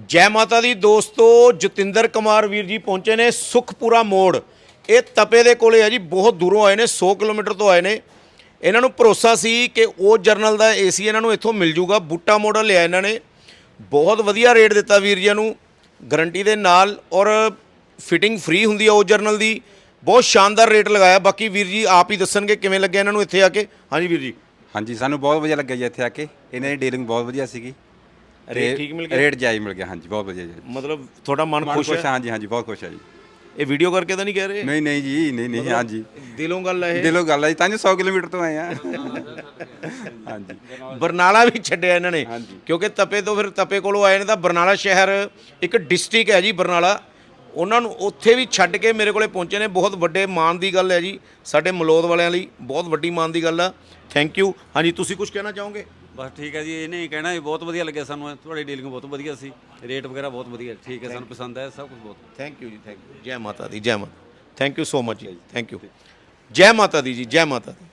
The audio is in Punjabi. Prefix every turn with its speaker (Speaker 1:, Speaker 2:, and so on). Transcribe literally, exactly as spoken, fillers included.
Speaker 1: ਜੈ ਮਾਤਾ ਦੀ ਦੋਸਤੋ, ਜਤਿੰਦਰ ਕੁਮਾਰ ਵੀਰ ਜੀ ਪਹੁੰਚੇ ਨੇ ਸੁਖਪੁਰਾ ਮੋੜ। ਇਹ ਤਪੇ ਦੇ ਕੋਲੇ ਹੈ ਜੀ, ਬਹੁਤ ਦੂਰੋਂ ਆਏ ਨੇ, ਸੌ ਕਿਲੋਮੀਟਰ ਤੋਂ ਆਏ ਨੇ। ਇਹਨਾਂ ਨੂੰ ਭਰੋਸਾ ਸੀ ਕਿ ਉਹ ਜਰਨਲ ਦਾ ਏਸੀ ਇਹਨਾਂ ਨੂੰ ਇੱਥੋਂ ਮਿਲ ਜੂਗਾ। ਬੂਟਾ ਮਾਡਲ ਲਿਆ ਇਹਨਾਂ ਨੇ, ਬਹੁਤ ਵਧੀਆ ਰੇਟ ਦਿੱਤਾ ਵੀਰ ਜੀ ਨੂੰ, ਗਰੰਟੀ ਦੇ ਨਾਲ, ਔਰ ਫਿਟਿੰਗ ਫ੍ਰੀ ਹੁੰਦੀ ਆ ਉਹ ਜਰਨਲ ਦੀ। ਬਹੁਤ ਸ਼ਾਨਦਾਰ ਰੇਟ ਲਗਾਇਆ। ਬਾਕੀ ਵੀਰ ਜੀ ਆਪ ਹੀ ਦੱਸਣਗੇ ਕਿਵੇਂ ਲੱਗਿਆ ਇਹਨਾਂ ਨੂੰ ਇੱਥੇ ਆ ਕੇ। ਹਾਂਜੀ ਵੀਰ ਜੀ।
Speaker 2: ਹਾਂਜੀ, ਸਾਨੂੰ ਬਹੁਤ ਵਧੀਆ ਲੱਗਿਆ ਜੀ ਇੱਥੇ ਆ ਕੇ। ਇਹਨਾਂ ਦੀ ਡੀਲਿੰਗ ਬਹੁਤ ਵਧੀਆ ਸੀਗੀ।
Speaker 1: ਰੇਟ ਠੀਕ ਮਿਲ ਗਿਆ,
Speaker 2: ਰੇਟ ਜਾਇਜ਼ ਮਿਲ ਗਿਆ। ਹਾਂਜੀ, ਬਹੁਤ ਵਧੀਆ ਜੀ।
Speaker 1: ਮਤਲਬ ਤੁਹਾਡਾ ਮਨ ਖੁਸ਼ ਹੈ?
Speaker 2: ਹਾਂਜੀ ਹਾਂਜੀ, ਬਹੁਤ ਖੁਸ਼ ਹੈ ਜੀ।
Speaker 1: ਇਹ ਵੀਡੀਓ ਕਰਕੇ ਤਾਂ ਨਹੀਂ ਕਹਿ ਰਹੇ?
Speaker 2: ਨਹੀਂ ਨਹੀਂ ਜੀ, ਨਹੀਂ ਨਹੀਂ। ਹਾਂਜੀ,
Speaker 1: ਦਿਲੋਂ ਗੱਲ ਹੈ ਇਹ?
Speaker 2: ਦਿਲੋਂ ਗੱਲ ਹੈ ਜੀ, ਤਾਂ ਸੌ ਕਿਲੋਮੀਟਰ ਤੋਂ ਆਏ ਆ। ਹਾਂਜੀ,
Speaker 1: ਬਰਨਾਲਾ ਵੀ ਛੱਡਿਆ ਇਹਨਾਂ ਨੇ, ਕਿਉਂਕਿ ਤਪੇ ਤੋਂ ਫਿਰ ਤਪੇ ਕੋਲੋਂ ਆਏ ਨੇ। ਤਾਂ ਬਰਨਾਲਾ ਸ਼ਹਿਰ ਇੱਕ ਡਿਸਟ੍ਰਿਕਟ ਹੈ ਜੀ ਬਰਨਾਲਾ, ਉਹਨਾਂ ਨੂੰ ਉੱਥੇ ਵੀ ਛੱਡ ਕੇ ਮੇਰੇ ਕੋਲੇ ਪਹੁੰਚੇ ਨੇ। ਬਹੁਤ ਵੱਡੇ ਮਾਣ ਦੀ ਗੱਲ ਹੈ ਜੀ, ਸਾਡੇ ਮਲੌਦ ਵਾਲਿਆਂ ਲਈ ਬਹੁਤ ਵੱਡੀ ਮਾਣ ਦੀ ਗੱਲ ਆ। Thank you. ਹਾਂਜੀ, ਤੁਸੀਂ ਕੁਝ ਕਹਿਣਾ ਚਾਹੋਗੇ?
Speaker 3: ਬਸ ਠੀਕ ਹੈ ਜੀ, ਇਹਨੇ ਹੀ ਕਹਿਣਾ ਵੀ ਬਹੁਤ ਵਧੀਆ ਲੱਗਿਆ ਸਾਨੂੰ, ਤੁਹਾਡੀ ਡੀਲਿੰਗ ਬਹੁਤ ਵਧੀਆ ਸੀ, ਰੇਟ ਵਗੈਰਾ ਬਹੁਤ ਵਧੀਆ, ਠੀਕ ਹੈ, ਸਾਨੂੰ ਪਸੰਦ ਆਇਆ ਸਭ ਕੁਝ ਬਹੁਤ।
Speaker 1: ਥੈਂਕ ਯੂ ਜੀ, ਥੈਂਕ ਯੂ। ਜੈ ਮਾਤਾ ਦੀ, ਜੈ ਮਾਤਾ। ਥੈਂਕ ਯੂ ਸੋ ਮਚ ਜੀ, ਥੈਂਕ ਯੂ। ਜੈ ਮਾਤਾ ਦੀ ਜੀ, ਜੈ ਮਾਤਾ ਦੀ।